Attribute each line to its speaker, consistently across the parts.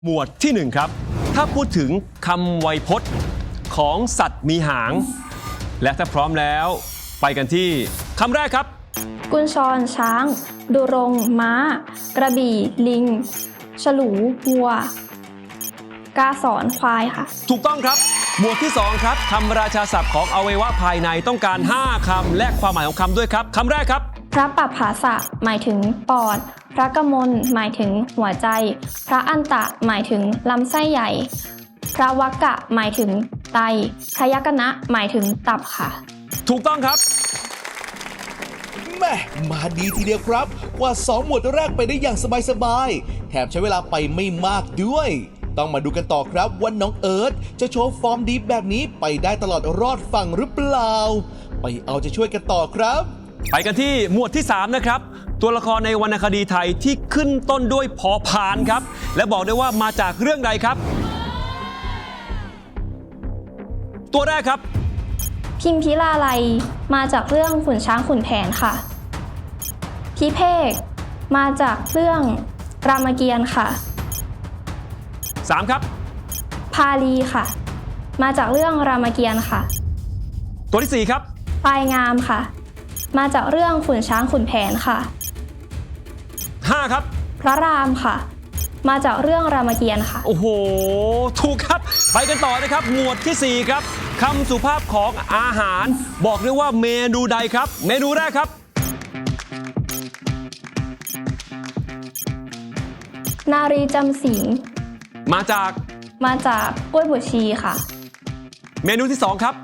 Speaker 1: หมวดที่1ครับถ้าพูดถึงคำไวยพจน์ของสัตว์มีหาง และถ้าพร้อมแล้วไปกันที่คำแรกครับ
Speaker 2: กุญชรช้างดุรงม้า กระบี่ลิง ฉลูวัว กาสอนควายค่ะ
Speaker 1: ถูกต้องครับหมวดที่2ครับคำราชาศัพท์ของอวัยวะภายในต้องการ5คำและความหมายของคำด้วยครับคำแรกครับ
Speaker 2: พระปัปภาสะหมายถึงปอดพระกมลหมายถึงหัวใจพระอันตะหมายถึงลำไส้ใหญ่พระวักกะหมายถึงไตพระยกนะหมายถึงตับค่ะ
Speaker 1: ถูกต้องครับ
Speaker 3: แม่มาดีทีเดียวครับกว่า2หมวดแรกไปได้อย่างสบายๆแถมใช้เวลาไปไม่มากด้วยต้องมาดูกันต่อครับว่าน้องเอิร์ธจะโชว์ฟอร์มดีแบบนี้ไปได้ตลอดรอดฝั่งหรือเปล่าไปเอาใจช่วยกันต่อครับ
Speaker 1: ไปกันที่หมวดที่3นะครับตัวละครในวรรณคดีไทยที่ขึ้นต้นด้วยพอพานครับและบอกได้ว่ามาจากเรื่องใดครับตัวแรกครับ
Speaker 2: พิมพิลาไลยมาจากเรื่องขุนช้างขุนแผนค่ะพิเภกมาจากเรื่องรามเกียรติ์ค่ะ
Speaker 1: 3ครับ
Speaker 2: พาลีค่ะมาจากเรื่องรามเกียรติ์ค่ะ
Speaker 1: ตัวที่4ครับ
Speaker 2: ปลายงามค่ะมาจากเรื่องขุนช้างขุนแผนค่ะ
Speaker 1: 5ครับ
Speaker 2: พระรามค่ะมาจากเรื่องรามเกียรติ์ค่ะ
Speaker 1: โอ้โหถูกครับไปกันต่อนะครับหมวดที่4ครับคำสุภาพของอาหารบอกได้ว่าเมนูใดครับเมนูแรกครับ
Speaker 2: นารีจำศีล
Speaker 1: มาจาก
Speaker 2: กล้วยบวชชีค่ะ
Speaker 1: เมนูที่2ครับ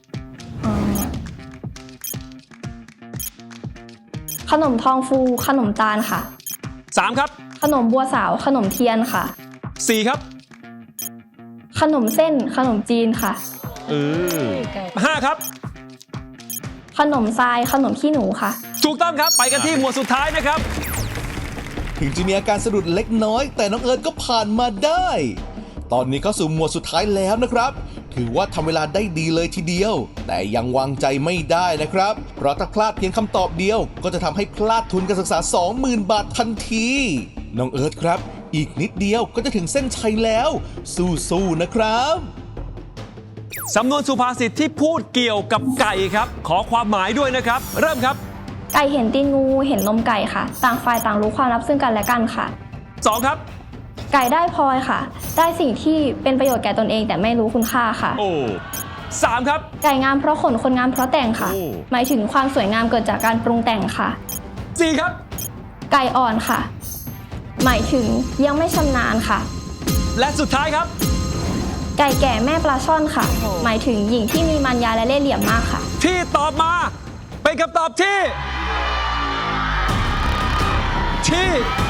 Speaker 2: ขนมทองฟูขนมตาลค่ะ
Speaker 1: 3ครับ
Speaker 2: ขนมบัวสาวขนมเทียนค่ะ
Speaker 1: 4ครับ
Speaker 2: ขนมเส้นขนมจีนค่ะ
Speaker 1: 5ครับ
Speaker 2: ขนมทรายขนมขี้หนูค่ะ
Speaker 1: ถูกต้องครับไปกันที่หมวดสุดท้ายนะครับ
Speaker 3: ถึงจะมีอาการสะดุดเล็กน้อยแต่น้องเอิร์ธก็ผ่านมาได้ตอนนี้เข้าสู่หมวดสุดท้ายแล้วนะครับถือว่าทำเวลาได้ดีเลยทีเดียวแต่ยังวางใจไม่ได้นะครับเพราะถ้าพลาดเพียงคำตอบเดียวก็จะทำให้พลาดทุนการศึกษา 20,000 บาททันทีน้องเอิร์ธครับอีกนิดเดียวก็จะถึงเส้นชัยแล้วสู้ๆนะครับ
Speaker 1: สำนวนสุภาษิตที่พูดเกี่ยวกับไก่ครับขอความหมายด้วยนะครับเริ่มครับ
Speaker 2: ไก่เห็นตีนงูเห็นนมไก่ค่ะต่างฝ่ายต่างรู้ความลับซึ่งกันและกันค่ะ
Speaker 1: 2ครับ
Speaker 2: ไก่ได้พลอยค่ะได้สิ่งที่เป็นประโยชน์แก่ตนเองแต่ไม่รู้คุณค่าค่ะ
Speaker 1: โอ้3ครับ
Speaker 2: ไก่งามเพราะขนคนงามเพราะแต่งค่ะหมายถึงความสวยงามเกิดจากการปรุงแต่งค่ะ
Speaker 1: 4ครับ
Speaker 2: ไก่อ่อนค่ะหมายถึงยังไม่ชำนาญค่ะ
Speaker 1: และสุดท้ายครับ
Speaker 2: ไก่แก่แม่ปลาช่อนค่ะหมายถึงหญิงที่มีมารยาและเล่ห์เหลี่ยมมากค่ะ
Speaker 1: ที่ตอบมาเป็นคำตอบที่